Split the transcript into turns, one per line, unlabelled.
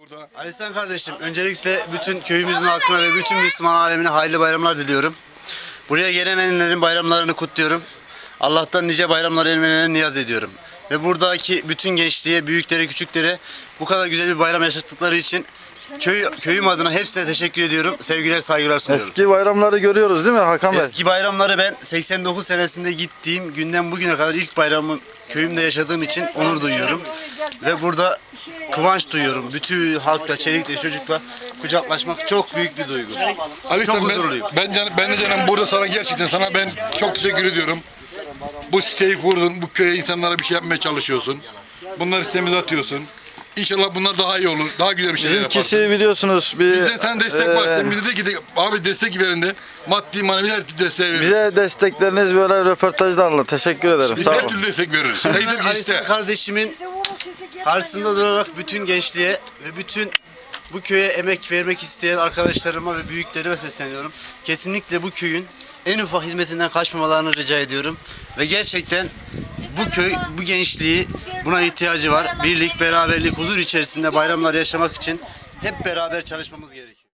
Alistan kardeşim, öncelikle bütün köyümüzün halkına ve bütün Müslüman alemine hayırlı bayramlar diliyorum. Buraya gelemeyenlerin bayramlarını kutluyorum. Allah'tan nice bayramlar elmelerine niyaz ediyorum. Ve buradaki bütün gençliğe, büyüklere, küçüklere bu kadar güzel bir bayram yaşattıkları için köyüm adına hepsine teşekkür ediyorum. Sevgiler, saygılar sunuyorum.
Eski bayramları görüyoruz değil mi Hakan Bey?
Eski bayramları ben 89 senesinde gittiğim günden bugüne kadar ilk bayramı köyümde yaşadığım için onur duyuyorum. Ve burada kıvanç duyuyorum. Bütün halkla, çelikle, çocukla kucaklaşmak çok büyük bir duygu.
Alistan,
çok huzurluyum.
Ben de canım burada sana gerçekten ben çok teşekkür ediyorum. Bu siteyi kurdun, bu köye insanlara bir şey yapmaya çalışıyorsun. Bunları sitemize atıyorsun. İnşallah bunlar daha iyi olur, daha güzel bir şeyler yaparsın.
Bizimkisi biliyorsunuz bir...
Bizde sen destek var, sen bize de gidip abi destek verin de maddi manevi her türlü desteği veririz.
Bize destekleriniz böyle röportajlarla. Teşekkür ederim.
Biz
Sağ
her
olun.
türlü destek veririz.
Ben
Haydi bir
Alistan
iste.
kardeşimin karşısında durarak bütün gençliğe ve bütün bu köye emek vermek isteyen arkadaşlarıma ve büyüklerime sesleniyorum. Kesinlikle bu köyün en ufak hizmetinden kaçmamalarını rica ediyorum. Ve gerçekten bu köy, bu gençliği buna ihtiyacı var. Birlik, beraberlik, huzur içerisinde bayramlar yaşamak için hep beraber çalışmamız gerekiyor.